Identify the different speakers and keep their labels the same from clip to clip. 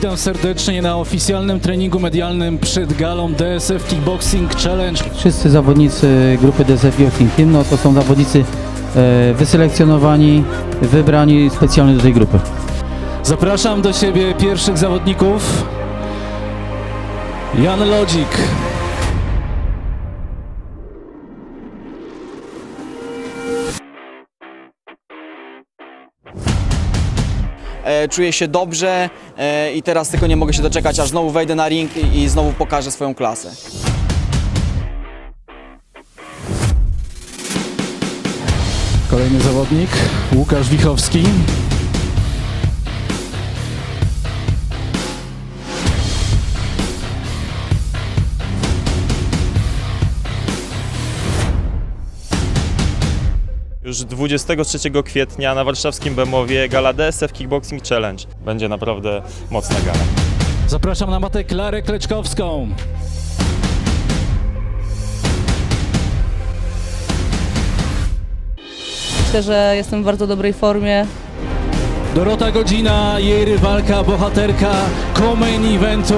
Speaker 1: Witam serdecznie na oficjalnym treningu medialnym przed galą DSF Kickboxing Challenge.
Speaker 2: Wszyscy zawodnicy grupy DSF Kickboxing Team to są zawodnicy wyselekcjonowani, wybrani specjalnie do tej grupy.
Speaker 1: Zapraszam do siebie pierwszych zawodników. Jan Lodzik.
Speaker 3: Czuję się dobrze i teraz tylko nie mogę się doczekać, aż znowu wejdę na ring i znowu pokażę swoją klasę.
Speaker 1: Kolejny zawodnik, Łukasz Wichowski.
Speaker 4: Już 23 kwietnia na warszawskim Bemowie gala DSF Kickboxing Challenge. Będzie naprawdę mocna gala.
Speaker 1: Zapraszam na matę Klarę Kleczkowską.
Speaker 5: Myślę, że jestem w bardzo dobrej formie.
Speaker 1: Dorota Godzina, jej rywalka, bohaterka co-main eventu.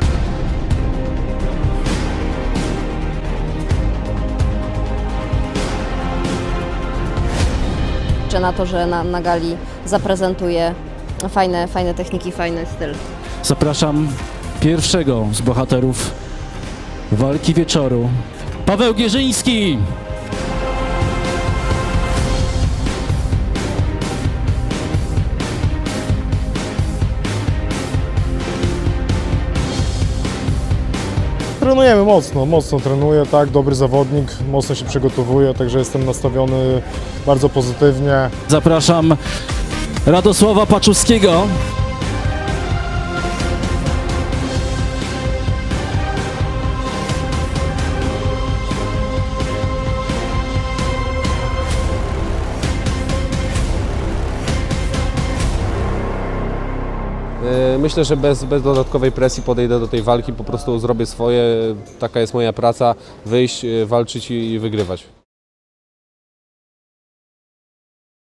Speaker 6: Liczę na to, że na gali zaprezentuję fajne techniki, fajny styl.
Speaker 1: Zapraszam pierwszego z bohaterów walki wieczoru, Paweł Gierzyński.
Speaker 7: Trenujemy mocno trenuję, tak, dobry zawodnik, mocno się przygotowuje, także jestem nastawiony bardzo pozytywnie.
Speaker 1: Zapraszam Radosława Paczuskiego.
Speaker 8: Myślę, że bez dodatkowej presji podejdę do tej walki, po prostu zrobię swoje, taka jest moja praca, wyjść, walczyć i wygrywać.